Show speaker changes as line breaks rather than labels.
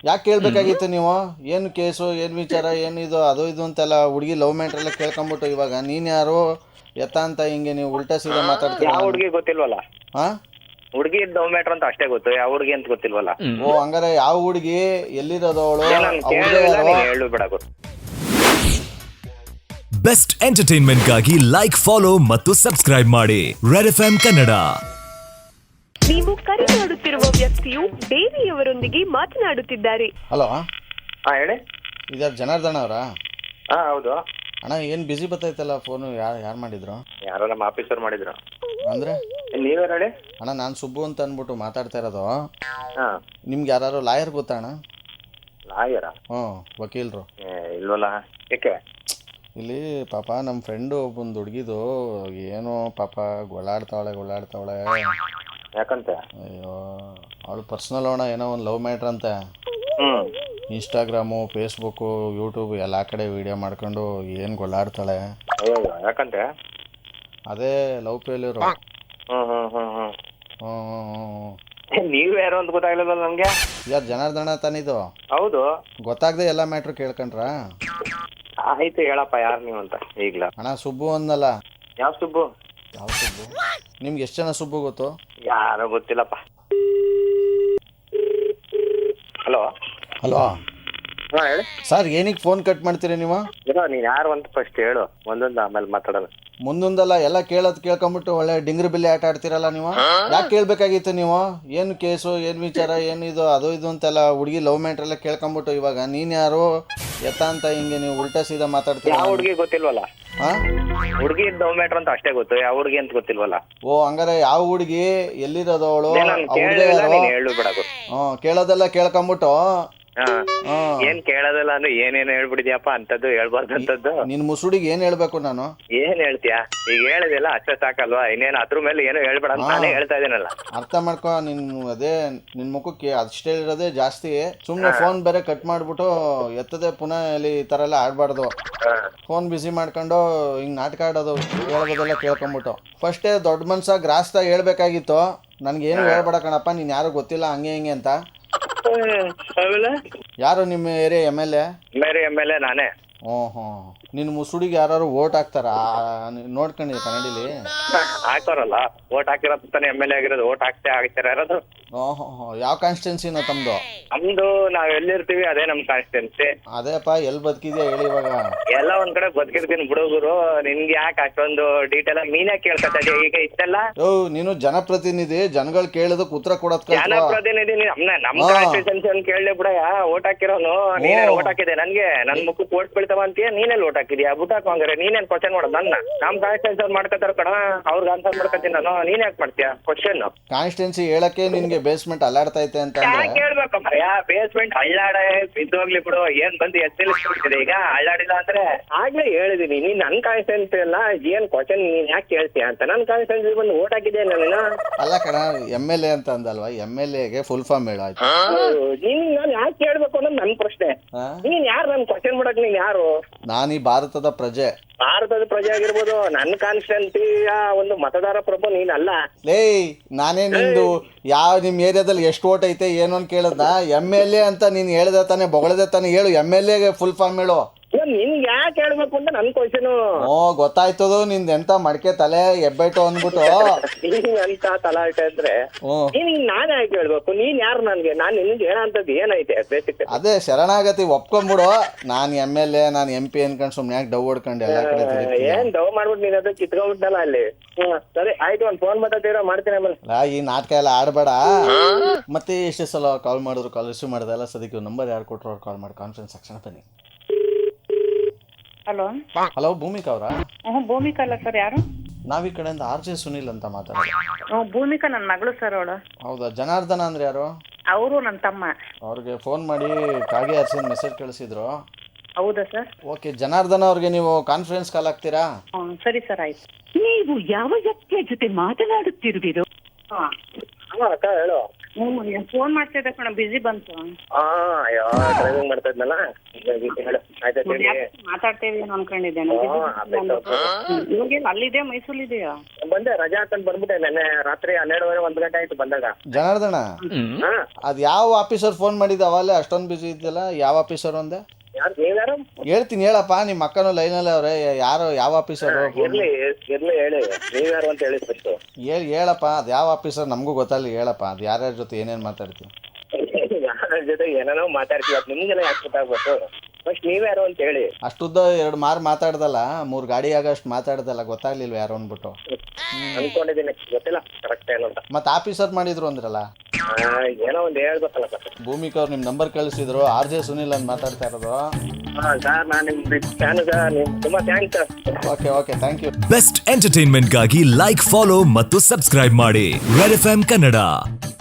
ಯಾಕೆ ಕೇಳಬೇಕಾಗಿತ್ತು ನೀವು? ಏನು ಕೇಸು, ಏನು ವಿಚಾರ, ಏನಿದು ಅದು ಇದು ಅಂತೆಲ್ಲ ಹುಡುಗಿ ಲವ್ ಮ್ಯಾಟ್ರ್ ಎಲ್ಲ ಕೇಳ್ಕೊಂಬಿಟ್ಟು ಇವಾಗ ನೀನು ಯಾರು ಎತ್ತ ಅಂತ ಹಿಂಗೆ ನೀವು ಉಲ್ಟಾ ಸೀದಾ ಮಾತಾಡ್ತೀರಾ?
ಯಾವ ಹುಡುಗಿ ಗೊತ್ತಿಲ್ವಲ್ಲ.
ಹಾಂ,
ಹುಡುಗಿ ಲವ್ ಮ್ಯಾಟ್ರ್ ಅಂತ ಅಷ್ಟೇ ಗೊತ್ತು, ಯಾವ ಹುಡುಗಿ ಅಂತ ಗೊತ್ತಿಲ್ವಲ್ಲ.
ಓ ಹಂಗಾರೆ ಯಾವ ಹುಡುಗಿ, ಎಲ್ಲಿರೋದು ಅವಳು,
ಹೇಳು ಬಿಡ.
ಬೆಸ್ಟ್ ಎಂಟರ್ಟೈನ್ಮೆಂಟ್ಗಾಗಿ ಲೈಕ್, ಫಾಲೋ ಮತ್ತು ಸಬ್ಸ್ಕ್ರೈಬ್ ಮಾಡಿ ರೆಡ್ ಎಫ್ಎಂ ಕನ್ನಡ.
ನೀವು ಕರೆ ಮಾಡುತ್ತಿರುವ ವ್ಯಕ್ತಿಯು ದೇವಿಯವರೊಂದಿಗೆ ಮಾತನಾಡುತ್ತಿದ್ದಾರೆ.
ಹಲೋ,
ಹೇಳಿ.
ಇದ್ಯಾರು ಜನಾರ್ದನ ಅವರಾ?
ಹೌದು
ಅಣ್ಣ, ಏನು ಬಿಸಿ ಬರ್ತೈತಲ್ಲ ಫೋನು. ಯಾರು ಮಾಡಿದ್ರು?
ಯಾರೋ ನಮ್ಮ ಆಫೀಸರ್ ಮಾಡಿದ್ರು.
ಅಂದರೆ
ನೀವೇ ಹೇಳಿ.
ಅಣ್ಣ, ನಾನು ಸುಬ್ಬು ಅಂತ ಅಂದ್ಬಿಟ್ಟು ಮಾತಾಡ್ತಾ ಇರೋದು.
ಹಾಂ,
ನಿಮ್ಗೆ ಯಾರು ಲಾಯರ್ ಗೊತ್ತಾ ಅಣ್ಣ?
ಲಾಯರಾ?
ಹ್ಞೂ, ವಕೀಲರು.
ಇಲ್ವಲ್ಲ, ಯಾಕೆ?
ಇಲ್ಲಿ ಪಾಪ ನಮ್ಮ ಫ್ರೆಂಡು ಒಬ್ಬೊಂದು ಹುಡುಗಿದು ಏನೋ ಪಾಪ ಗೊಳ್ಳಾಡ್ತಾವಳೆ.
ಯಾಕಂತೆ?
ಅಯ್ಯೋ, ಅವಳು ಪರ್ಸ್ನಲ್ ಅಣ್ಣ, ಏನೋ ಒಂದು ಲವ್ ಮ್ಯಾಟ್ರ್ ಅಂತೆ. ಇನ್ಸ್ಟಾಗ್ರಾಮು, ಫೇಸ್ಬುಕ್ಕು, ಯೂಟ್ಯೂಬ್ ಎಲ್ಲ ಕಡೆ ವೀಡಿಯೋ ಮಾಡ್ಕೊಂಡು ಏನು ಗೊಳ್ಳಾಡ್ತಾಳೆ.
ಅಯ್ಯೋ, ಯಾಕಂತೆ?
ಅದೇ ಲವ್ ಫೇಲ್ಯೂರು.
ನೀವು ಯಾರು ಅಂತ ಗೊತ್ತಾಗ್ಲಿಲ್ಲ ನಮ್ಗೆ.
ಯಾರು ಜನಾರ್ದನ ತಾನಿದು?
ಹೌದು.
ಗೊತ್ತಾಗದೆ ಎಲ್ಲ ಮ್ಯಾಟ್ರು ಕೇಳ್ಕೊಂಡ್ರಾ?
ಆಯ್ತು, ಹೇಳಪ್ಪ ಯಾರು ನೀವು ಅಂತ. ಈಗ್ಲ
ಅಣ್ಣ, ಸುಬ್ಬು ಅಂದಲ್ಲ.
ಯಾವ ಸುಬ್ಬು?
ಯಾವ ಸುಬ್ಬು? ನಿಮ್ಗೆ ಎಷ್ಟು ಜನ ಸುಬ್ಬು ಗೊತ್ತು?
ಯಾರೋ ಗೊತ್ತಿಲ್ಲಪ್ಪ. ಹಲೋ.
ಹಲೋ
ಹೇಳಿ
ಸರ್, ಏನಕ್ಕೆ ಫೋನ್ ಕಟ್ ಮಾಡ್ತೀರಿ ನೀವು?
ನೀನ್ ಯಾರು ಅಂತ ಫಸ್ಟ್ ಹೇಳು, ಒಂದೊಂದು ಆಮೇಲೆ ಮಾತಾಡೋಣ.
ಮುಂದೊಂದಲ್ಲ, ಎಲ್ಲ ಕೇಳ್ಕೊಂಬಿಟ್ಟು ಒಳ್ಳೆ ಡಿಂಗ್ರಿ ಬಿಲ್ಲಿ ಆಟ ಆಡ್ತಿರಲ್ಲ ನೀವು. ಯಾಕೆ ಕೇಳಬೇಕಾಗಿತ್ತು ನೀವು? ಏನು ಕೇಸು, ಏನು ವಿಚಾರ, ಏನಿದು ಅದು ಇದು ಅಂತೆಲ್ಲ ಹುಡುಗಿ ಲವ್ ಮ್ಯಾಟ್ರ್ ಎಲ್ಲ ಕೇಳ್ಕೊಂಬಿಟ್ಟು ಇವಾಗ ನೀನು ಯಾರು ಎತ್ತ ಅಂತ ಹಿಂಗೆ ನೀವು ಉಲ್ಟಾ ಸೀದಾ ಮಾತಾಡ್ತೀರಾ?
ಯಾವ ಹುಡುಗಿ ಗೊತ್ತಿಲ್ವಲ್ಲ.
ಹಾಂ,
ಹುಡುಗಿ ಲವ್ ಮ್ಯಾಟ್ರ್ ಅಂತ ಅಷ್ಟೇ ಗೊತ್ತು, ಯಾವ ಹುಡುಗಿ ಅಂತ ಗೊತ್ತಿಲ್ವಲ್ಲ.
ಓ ಹಂಗಾರೆ ಯಾವ ಹುಡುಗಿ, ಎಲ್ಲಿರೋದು ಅವಳು,
ಹೇಳು ಬಿಡ.
ಹ್ಞೂ, ಕೇಳೋದೆಲ್ಲ ಕೇಳ್ಕೊಂಬಿಟ್ಟು
ಏನ್ ಕೇಳೋದಲ್ಲ ಅಂದ್ರೆ ಏನೇನು ಹೇಳ್ಬಿಡಿದ್ಯಪ್ಪ, ಅಂತದ್ದು ಹೇಳ್ಬಾರ್ದು ಅಂತದ್ದು.
ನಿನ್ ಮುಸುಡಿಗೆ ಏನ್ ಹೇಳ್ಬೇಕು ನಾನು?
ಏನ್ ಹೇಳ್ತೀಯಾ? ಈಗ ಹೇಳಿದೆಲ್ಲ ಅಷ್ಟೇ ಸಾಕಲ್ವಾ, ಇನ್ನೇನು ಅದ್ರ ಮೇಲೆ ಏನು ಹೇಳ್ಬೇಡ ಅಂತ ನಾನೇ ಹೇಳ್ತಾ ಇದೀನಲ್ಲ.
ಅರ್ಥ ಮಾಡ್ಕೊ. ಅದೇ ನಿನ್ ಮುಖಕ್ಕೆ ಅಷ್ಟೇ ಇರೋದೇ ಜಾಸ್ತಿ. ಸುಮ್ನೆ ಫೋನ್ ಬೇರೆ ಕಟ್ ಮಾಡ್ಬಿಟ್ಟು ಎತ್ತದೆ ಪುನಃ ಇಲ್ಲಿ ಈ ತರ ಎಲ್ಲ ಆಡ್ಬಾರ್ದು. ಫೋನ್ ಬಿಸಿ ಮಾಡ್ಕೊಂಡು ಹಿಂಗ್ ನಾಟಕ ಆಡೋದು, ಹೇಳೋದೆಲ್ಲ ಕೇಳ್ಕೊಂಬಿಟ್ಟು ಫಸ್ಟೇ ದೊಡ್ಡ ಮನ್ಸ ಗ್ರಾಸ್ತ ಹೇಳ್ಬೇಕಾಗಿತ್ತು. ನನ್ಗೇನು ಹೇಳ್ಬೇಡ ಕಣಪ್ಪ, ನೀನ್ ಯಾರು ಗೊತ್ತಿಲ್ಲ ಹಂಗೆ ಹಿಂಗೆ ಅಂತ. ಯಾರು ನಿಮ್ಮ ಏರಿಯಾ
ಎಮ್.ಎಲ್.ಎ? ನಾನೇ.
ಓಹೋ, ನಿನ್ನ ಮುಸುಡಿಗೆ ಯಾರು ಓಟ್ ಹಾಕ್ತಾರ? ನೋಡ್ಕೊಂಡಿದ್ದೆ ಕನ್ನಡಿಲಿ
ಹಾಕೋರಲ್ಲ, ಓಟ್ ಹಾಕಿರೋ ತಾನೆ ಎಮ್.ಎಲ್.ಎ ಆಗಿರೋದು. ಓಟ್ ಹಾಕ್ತಾರ ಯಾರದು?
ಓಹೋ, ಯಾವ ಕಾನ್ಸ್ಟಿಟ್ಯೂನ್ಸಿನ ತಮ್ದು?
ನಮ್ದು ನಾವ್ ಎಲ್ಲಿರ್ತೀವಿ ಅದೇ ನಮ್ ಕಾನ್ಸ್ಟಿಟ್ಯೂನ್ಸಿ.
ಅದೇಪ್ಪ, ಎಲ್ಲಿ ಬದುಕಿದ್ಯಾ ಹೇಳಿ ಇವಾಗ?
ಎಲ್ಲ ಒಂದ್ ಕಡೆ ಬದುಕಿರ್ತೀನಿ ಬಿಡುಗರು. ನಿನ್ಗೆ ಯಾಕೆ ಅಷ್ಟೊಂದು ಡೀಟೇಲ್ ಆಗಿ ನೀನೇ ಕೇಳ್ತಾ ಇದೀಯ ಈಗ ಇಷ್ಟೆಲ್ಲ?
ನೀನು ಜನಪ್ರತಿನಿಧಿ, ಜನಗಳು ಕೇಳಿದಕ್ಕೆ ಉತ್ತರ ಕೊಡೋದ್
ಜನಪ್ರತಿನಿಧಿ ನಮ್ ಕಾನ್ಸ್ಟಿಟ್ಯೂನ್ಸಿ ಅಂತ ಕೇಳಲೇ ಬಿಡ. ಓಟ್ ಹಾಕಿರೋನು ನೀನೇ. ಓಟ್ ಹಾಕಿದೆ ನನ್ಗೆ, ನನ್ ಮುಖಕ್ಕೆ ಓಟ್ ಬೀಳ್ತಾವ ಅಂತೀಯ? ನೀನೆಲ್ಲಿ ಓಟ್ ಹಾಕಿದ್ಯಾ? ಬುಟ್ ಹಾಕೋಂಗ್ರೆ ನೀನೇನ್ ಕ್ವಶನ್ ಮಾಡೋದು ನನ್ನ? ನಮ್ ಕಾನ್ಸ್ಟಿಟ್ಯೂನ್ಸಿ ಅವ್ರು ಮಾಡ್ಕೊತಾರ ಕಣ, ಅವ್ರಿಗೆ ಆನ್ಸರ್ ಮಾಡ್ಕೊತೀನಿ ನಾನು. ನೀನ್ ಯಾಕೆ ಮಾಡ್ತೀಯ ಕ್ವಶನ್?
ಕಾನ್ಸ್ಟಿಟ್ಯೂನ್ಸಿ ಹೇಳಕ್ಕೆ ನಿನ್ಗೆ ಬೇಸ್ಮೆಂಟ್ ಅಲ್ಲಾಡ್ತೈತೆ ಅಂತ
ಕೇಳ್ಬೇಕು ಮರ್ಯಾ. ಬೇಸ್ಮೆಂಟ್ ಅಳ್ಳಾಡ ಬಿದ್ದೋಗ್ಲಿ ಬಿಡು, ಏನ್ ಬಂದು ಎತ್ತಿಲ್ಸ್ಬಿಡ್ತಿದೆ ಈಗ? ಅಳ್ಳಾಡಿಲ್ಲ ಅಂದ್ರೆ ಆಗ್ಲೇ ಹೇಳಿದೀನಿ, ನೀನ್ ನನ್ ಕಾನ್ಸ್ಟಿಟ್ಯೂನ್ಸಿ ಅಲ್ಲ, ಏನ್ ಕ್ವಶನ್ ನೀನ್ ಯಾಕೆ ಕೇಳ್ತೀಯ ಅಂತ. ನನ್ ಕಾನ್ಸ್ಟಿಟ್ಯೂನ್ಸಿ ಬಂದು ಓಟ್ ಹಾಕಿದ್ಯಾ ನಾನು? ಅಲ್ಲ
ಕಣ, ಎಮ್.ಎಲ್.ಎ ಅಂತ ಅಂದಲ್ವಾ? ಎಮ್.ಎಲ್.ಎಗೆ ಫುಲ್ ಫಾರ್ಮ್ ಹೇಳು ಆಯ್ತು.
ನೀನ್ ನಾನು ಯಾಕೆ ಕೇಳ್ಬೇಕು ಅನ್ನೋದು ನನ್ ಪ್ರಶ್ನೆ. ನೀನ್ ಯಾರು ನನ್ ಕ್ವಶನ್ ಮಾಡಕ್? ನೀನ್ ಯಾರು?
ನಾನು ಈ ಭಾರತದ ಪ್ರಜೆ.
ಭಾರತದ ಪ್ರಜೆ ಆಗಿರ್ಬೋದು, ನನ್ನ ಕಾನ್ಸ್ಟಿಟ್ಯೂನ್ಸಿಯ ಒಂದು ಮತದಾರ ಪ್ರಭು ನೀನಲ್ಲ.
ನಾನೇ ನಿಂದು ನಿಮ್ ಏರಿಯಾದಲ್ಲಿ ಎಷ್ಟು ಓಟ್ ಐತೆ ಏನು ಅಂತ ಕೇಳದ? ಎಮ್.ಎಲ್.ಎ ಅಂತ ನೀನ್ ಹೇಳ್ದೆ ತಾನೆ, ಬೊಗಳದೆ ತಾನೆ. ಹೇಳು, ಎಮ್.ಎಲ್.ಎಗೆ ಫುಲ್ ಫಾರ್ಮ್ ಹೇಳು.
ನಿನ್ಗೆ ಯಾಕೆ ಹೇಳ್ಬೇಕು ಅಂತ ನನ್ ಕ್ವಶನ್.
ಗೊತ್ತಾಯ್ತದ ನಿಂದ ಎಂತ ಮಡಕೆ ತಲೆ ಎಬ್ಬೆಟ್ಟು ಅಂದ್ಬಿಟ್ಟು
ಅಂತ ತಲಾಟೆ ಅಂದ್ರೆ ನೀನ್ ನಾನೇ ಯಾಕೆ ಹೇಳ್ಬೇಕು? ನೀನ್ ಯಾರು ನನ್ಗೆ? ನಾನ್ ನಿನ್ಗೆ ಏನಂತದ್ದು ಏನೈತೆ ಬೇಸಿಕ್?
ಅದೇ ಶರಣಾಗತಿ ಒಪ್ಕೊಂಡ್ಬಿಡು. ನಾನ್ ಎಮ್.ಎಲ್.ಎ, ನಾನ್ MP ಅನ್ಕೊಂಡ್ ಸುಮ್ನೆ ಯಾಕೆ ಡವ್ ಹೊಡ್ಕೊಂಡು ಎಲ್ಲ ಕಡೆ
ಏನ್ ಡವ್ ಮಾಡ್ಬಿಟ್ಟು ನೀನ್ ಅದು ಕಿತ್ಕೊಂಡ್ಬಿಟ್ಟಲ್ಲ ಅಲ್ಲಿ. ಸರಿ ಆಯ್ತು, ಒಂದ್ ಫೋನ್ ಮಾಡ್ತೀನಿ ಆಮೇಲೆ.
ಈ ನಾಟಕ ಎಲ್ಲ ಆಡ್ಬೇಡ. ಮತ್ತೆ ಎಷ್ಟೇ ಸಲ ಕಾಲ್ ಮಾಡಿದ್ರು ಕಾಲ್ ರಿಸೀವ್ ಮಾಡ್ದಲ್ಲ. ಸದ್ಯಕ್ಕೆ ನಂಬರ್ ಯಾರು ಕೊಟ್ಟರು ಅವ್ರು ಕಾಲ್ ಮಾಡಿ ಕಾನ್ಫರೆನ್ಸ್ ತಕ್ಷಣ ಬನ್ನಿ. ಹಲೋ, ಭೂಮಿಕಾ ಅವರಾ?
ಭೂಮಿಕಾ ಅಲ್ಲ ಸರ್, ಯಾರು?
ನಾವ್ ಈ ಕಡೆಯಿಂದ RJ ಸುನಿಲ್ ಅಂತ ಮಾತಾಡೋದು.
ಭೂಮಿಕಾ ನನ್ನ ಮಗಳು ಸರ್ ಅವಳು.
ಹೌದಾ? ಜನಾರ್ದನ ಅಂದ್ರೆ ಯಾರು?
ಅವರು ನನ್ನ ತಮ್ಮ.
ಅವ್ರಿಗೆ ಫೋನ್ ಮಾಡಿ ಕಾಗೆ ಹರಿಸಿದ ಮೆಸೇಜ್ ಕಳಿಸಿದ್ರು.
ಹೌದಾ ಸರ್?
ಓಕೆ, ಜನಾರ್ದನ ಅವ್ರಿಗೆ ನೀವು ಕಾನ್ಫರೆನ್ಸ್ ಕಾಲ್ ಆಗ್ತೀರಾ?
ಸರಿ ಸರ್, ಆಯ್ತು.
ನೀವು ಯಾವ ವ್ಯಕ್ತಿಯ ಜೊತೆ ಮಾತನಾಡುತ್ತಿರುವಿರೋ?
ಅಕ್ಕ ಹೇಳು.
ಫೋನ್ ಮಾಡ್ತಾ ಇದ್ದೆ ಕಣ ಬಿಸಿ ಬಂತು.
ಅಯ್ಯೋ ಡ್ರೈವಿಂಗ್ ಮಾಡ್ತಾ ಇದ್ನಲ್ಲ ಹೀಗಾಗಿ ಹೇಳು ಆಯ್ತಾ ಹೇಳಿ.
ಮಾತಾಡ್ತಾ ಇದೀನಿ ಅನ್ಕೊಂಡಿದ್ದೆ ಇವಾಗ ಅಲ್ಲಿದೆ ಮೈಸೂರಿದೆಯಾ?
ಬಂದೆ ರಜಾ ಹಾಕೊಂಡ್ ಬಂದ್ಬಿಟ್ಟೆ ನೆನ್ನೆ ರಾತ್ರಿ 12:30 1 ಗಂಟೆ ಆಯ್ತು ಬಂದಾಗ.
ಜನಾರ್ದನ
ಹಾ
ಅದು ಯಾವ ಆಫೀಸರ್ ಫೋನ್ ಮಾಡಿದ ಅವಾಗಲೇ ಅಷ್ಟೊಂದು ಬಿಸಿ ಇದ್ದಲ್ಲ, ಯಾವ ಆಫೀಸರ್ ಅಂದೆ?
ಯಾರು ನೀವ್ಯಾರು?
ಹೇಳ್ತೀನಿ ಹೇಳಪ್ಪ, ನಿಮ್ಮ ಅಕ್ಕನೂ ಲೈನಲ್ಲಿ ಅವ್ರೆ. ಯಾರು ಯಾವ ಆಫೀಸರು?
ಇರ್ಲಿ ಹೇಳಿ ನೀವ್ಯಾರು ಅಂತ ಹೇಳಿ ಫಸ್ಟ್
ಹೇಳಪ್ಪ, ಅದು ಯಾವ ಆಫೀಸರ್ ನಮಗೂ ಗೊತ್ತಲ್ಲ. ಹೇಳಪ್ಪ, ಅದು ಯಾರ್ಯಾರ ಜೊತೆ ಏನೇನು ಮಾತಾಡ್ತೀವಿ?
ಯಾರ ಜೊತೆ ಏನೇನೋ ಮಾತಾಡ್ತೀವಿ, ಅದು ನಿಮ್ಗೆಲ್ಲ ಯಾಕೆ ಗೊತ್ತಾಗ್ಬೇಕು? ಫಸ್ಟ್ ನೀವ್ಯಾರು ಅಂತ ಹೇಳಿ.
ಅಷ್ಟುದ್ದ 2 ಮಾರು ಮಾತಾಡ್ದಲ್ಲ, 3 ಗಾಡಿ ಆಗಷ್ಟು ಮಾತಾಡ್ದಲ್ಲ, ಗೊತ್ತಾಗ್ಲಿಲ್ವ ಯಾರು ಅಂದ್ಬಿಟ್ಟು?
ಅನ್ಕೊಂಡಿದ್ದೀನಿ, ಗೊತ್ತಿಲ್ಲ ಕರೆಕ್ಟ್ ಏನು ಅಂತ.
ಮತ್ತೆ ಆಫೀಸರ್ ಮಾಡಿದ್ರು ಅಂದ್ರಲ್ಲ?
ಏನೋ ಒಂದು ಹೇಳ್ಬೇಕಲ್ಲ ಸರ್.
ಭೂಮಿಕಾ ಅವ್ರು ನಿಮ್ಮ ನಂಬರ್ ಕಳಿಸಿದ್ರು, RJ ಸುನಿಲ್ ಅಂತ ಮಾತಾಡ್ತಾ ಇರೋದು.
ಸರ್ ನಾನು ನಿಮ್ ಫ್ಯಾನ್ ಸರ್, ನಿಮ್ ತುಂಬಾ thanks sir.
Okay thank you.
Best ಎಂಟರ್ಟೈನ್ಮೆಂಟ್ಗಾಗಿ ಲೈಕ್, ಫಾಲೋ ಮತ್ತು ಸಬ್ಸ್ಕ್ರೈಬ್ ಮಾಡಿ ರೆಡ್ FM ಕನ್ನಡ.